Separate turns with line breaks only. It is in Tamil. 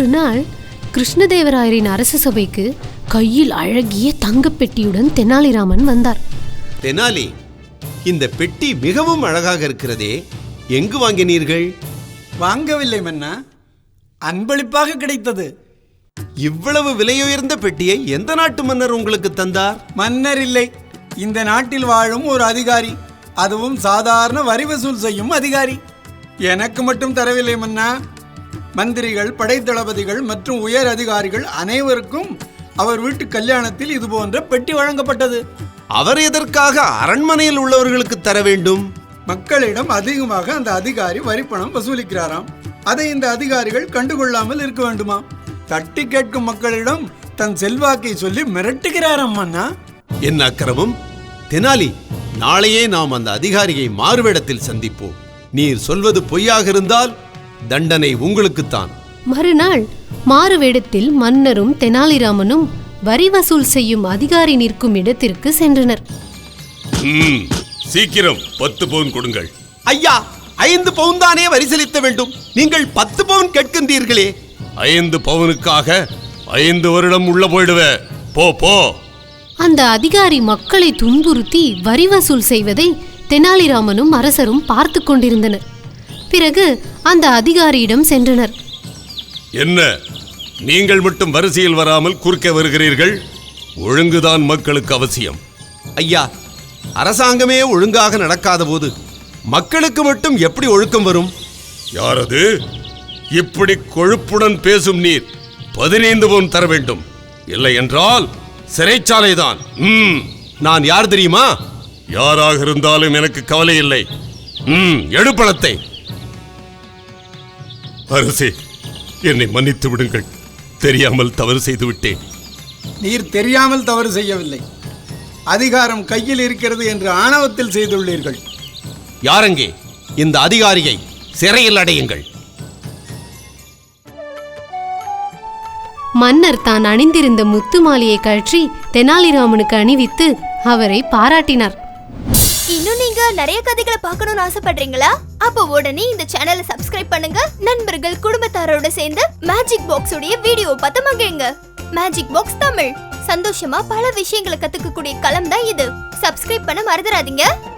ஒரு நாள் கிருஷ்ணதேவராயரின் அரச சபைக்கு கையில் அழகிய தங்கப்பெட்டியுடன் தெனாலிராமன் வந்தார்.
தெனாலி, இந்த பெட்டி மிகவும் அழகாக இருக்கிறதே, எங்கு வாங்கினீர்கள்?
வாங்கவில்லை மன்னா, அன்பளிப்பாக கிடைத்தது.
இவ்வளவு விலையுயர்ந்த பெட்டியை எந்த நாட்டு மன்னர் உங்களுக்கு தந்தார்?
மன்னர் இல்லை, இந்த நாட்டில் வாழும் ஒரு அதிகாரி, அதுவும் சாதாரண வரி வசூல் செய்யும் அதிகாரி. எனக்கு மட்டும் தரவில்லை மன்னா, மந்திரிகள், படைத்தளபதிகள் மற்றும் உயர் அதிகாரிகள் அனைவருக்கும் அவர் வீட்டு கல்யாணத்தில் இது போன்ற பெட்டி வழங்கப்பட்டது.
அவர் எதற்காக அரண்மனையில் உள்ளவர்களுக்கு தர வேண்டும்?
மக்களிடம் அதிகமாக அந்த அதிகாரி வரிப்பணம் வசூலிக்கிறாராம். அதை இந்த அதிகாரிகள் கண்டுகொள்ளாமல் இருக்க வேண்டுமா? தட்டி கேட்கும் மக்களிடம் தன் செல்வாக்கை சொல்லி மிரட்டுகிறாராம் மன்னா.
என்ன அக்கிரமம்! தெனாலி, நாளையே நாம் அந்த அதிகாரியை மாறுவேடத்தில் சந்திப்போம். நீர் சொல்வது பொய்யாக இருந்தால் தண்டனை உங்களுக்குத்தான்.
மறுநாள் மாறுவேடத்தில் மன்னரும் தெனாலிராமனும் வரி வசூல் செய்யும் அதிகாரி நிற்கும் இடத்திற்கு சென்றனர்.
சீக்கிரம் 10 பவுன் கொடுங்கள்.
ஐயா, 5 பவுன் தானே வரி செலுத்த வேண்டும், நீங்கள் 10 பவுன் கேட்கின்றீர்களே.
5 பவுனுக்காக 5 வருடம் உள்ள போயிடுவே. போ போ.
அந்த அதிகாரி மக்களை துன்புறுத்தி வரி வசூல் செய்வதை தெனாலிராமனும் அரசரும் பார்த்து கொண்டிருந்தனர். பிறகு அந்த அதிகாரியிடம் சென்றனர்.
என்ன, நீங்கள் மட்டும் வரிசையில் வராமல் குறுக்க வருகிறீர்கள்? ஒழுங்குதான் மக்களுக்கு அவசியம்.
ஐயா, அரசாங்கமே ஒழுங்காக நடக்காத போது மக்களுக்கு மட்டும் எப்படி ஒழுக்கம் வரும்?
யாரது? இப்படி கொழுப்புடன் பேசும் நீர் 15 பவுன் தர வேண்டும், இல்லை என்றால் சிறைச்சாலைதான்.
நான் யார் தெரியுமா?
யாராக இருந்தாலும் எனக்கு கவலை இல்லை. எடு பணத்தை. அரசே, என்னை மன்னித்து விடுங்கள், தெரியாமல் தவறு செய்து விட்டேன்.
நீர் தெரியாமல் தவறு செய்யவில்லை, அதிகாரம் கையில் இருக்கிறது என்று ஆணவத்தில் செய்துள்ளீர்கள்.
யாரங்கே? இந்த அதிகாரியை சிறையில் அடையுங்கள்.
மன்னர் தான் அணிந்திருந்த முத்து மாலையை கழற்றி தெனாலிராமனுக்கு அணிவித்து அவரை பாராட்டினார்.
இன்னும் நீங்க நிறைய கதைகளை பார்க்கணும்னு ஆசைப்படுறீங்களா? அப்போ உடனே இந்த சேனலை சப்ஸ்கிரைப் பண்ணுங்க. நண்பர்கள், குடும்பத்தாரோட சேர்ந்து மேஜிக் பாக்ஸ் உடைய வீடியோ பார்த்து மகிழுங்க. மேஜிக் பாக்ஸ் தமிழ், சந்தோஷமா பல விஷயங்களை கத்துக்கக்கூடிய களம் தான் இது. சப்ஸ்கிரைப் பண்ண மறந்துடாதீங்க.